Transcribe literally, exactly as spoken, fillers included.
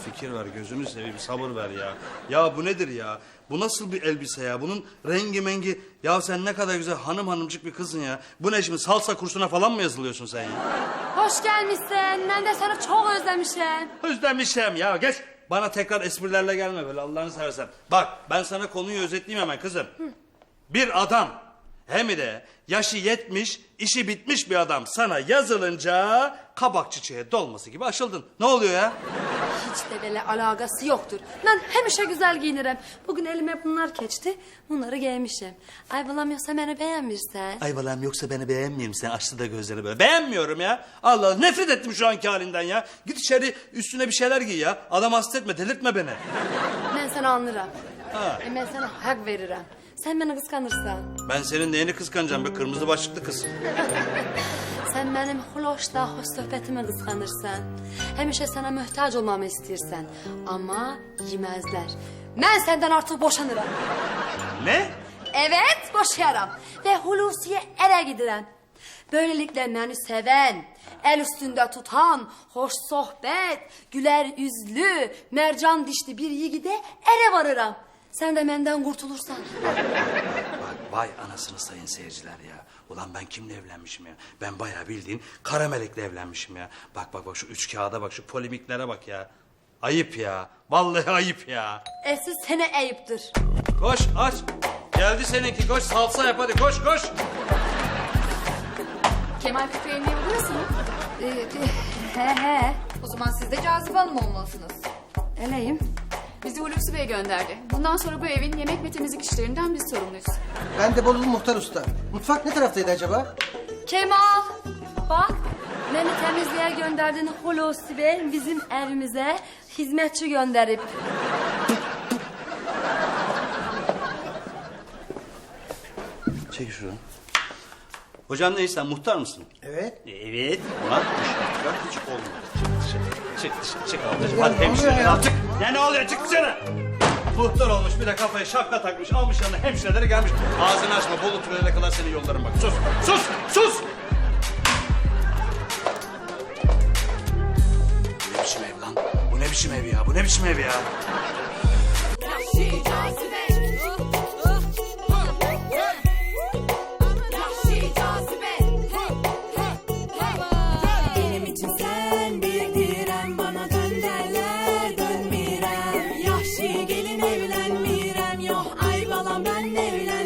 fikir ver, gözünü seveyim, sabır ver ya. Ya bu nedir ya? Bu nasıl bir elbise ya? Bunun rengi mengi... Ya sen ne kadar güzel hanım hanımcık bir kızsın ya. Bu ne şimdi, salsa kursuna falan mı yazılıyorsun sen ya? Hoş gelmişsin. Ben de seni çok özlemişim. Özlemişim ya, geç. Bana tekrar esprilerle gelme böyle, Allah'ını seversen. Bak, ben sana konuyu özetleyeyim hemen kızım. Hı. Bir adam, hem de yaşı yetmiş, işi bitmiş bir adam sana yazılınca... kabak çiçeğe dolması gibi açıldın. Ne oluyor ya? Hiç de böyle alakası yoktur. Ben hemişe güzel giyinirim. Bugün elime bunlar geçti. Bunları giymişim. Ay bulamıyorsa beni beğenmirsen. Ay balam, yoksa beni beğenmeyeyim, sen açtı da gözleri böyle. Beğenmiyorum ya. Allah Allah, nefret ettim şu anki halinden ya. Git içeri, üstüne bir şeyler giy ya. Adam hasta etme, delirtme beni. Ben seni anlarım. Ha. E ben sana hak veririm. Sen beni kıskanırsan. Ben senin neyini kıskanacağım be kırmızı başlıklı kız. Sen benim hoşla hoş sohbetimi kıskanırsan. Hemişe sana muhtaç olmamı istersen. Ama yemezler. Ben senden artık boşanırım. Ne? Evet, boşayarım. Ve Hulusi'ye eve giderim. Böylelikle beni seven, el üstünde tutan, hoş sohbet, güler yüzlü, mercan dişli bir yiğide eve varırım. Sen de benden kurtulursan. Bak, vay anasını sayın seyirciler ya. Ulan ben kimle evlenmişim ya? Ben bayağı bildiğin kara melekle evlenmişim ya. Bak bak bak, şu üç kağıda bak, şu polemiklere bak ya. Ayıp ya. Vallahi ayıp ya. Esas sana ayıptır. Koş aç. Geldi seninki, koş salsa yap hadi, koş koş. Kemal Fikri'nin evi burası mı? Ee, he he. O zaman siz de Cazibe Hanım olmalısınız. Eleyim. Bizi Hulusi Bey gönderdi. Bundan sonra bu evin yemek ve temizlik işlerinden biz sorumluyuz. Ben de Bolulu Muhtar Usta. Mutfak ne taraftaydı acaba? Kemal, bak. Beni temizliğe gönderdiğin Hulusi Bey bizim evimize hizmetçi gönderip. Çek şunu. Hocam neyse, sen muhtar mısın? Evet. Evet. Ulan dışarı hiç olmadı. Çık dışarı, çık dışarı, çık ablacığım. Ya Hadi ne oluyor hemşireler ya? al, çık. Ya ne oluyor, çık dışarı. Muhtar olmuş, bir de kafaya şapka takmış, almış yanına hemşireleri gelmiş. Ağzını açma, Bolu tünele kadar seni yollarım bak. Sus, sus, sus. Bu ne biçim ev lan? Bu ne biçim ev ya? Bu ne biçim ev ya? Benim için sen bir direm, bana dön derler dönmirem. Yahşi gelin evlenmirem, yok ay balam ben evlen.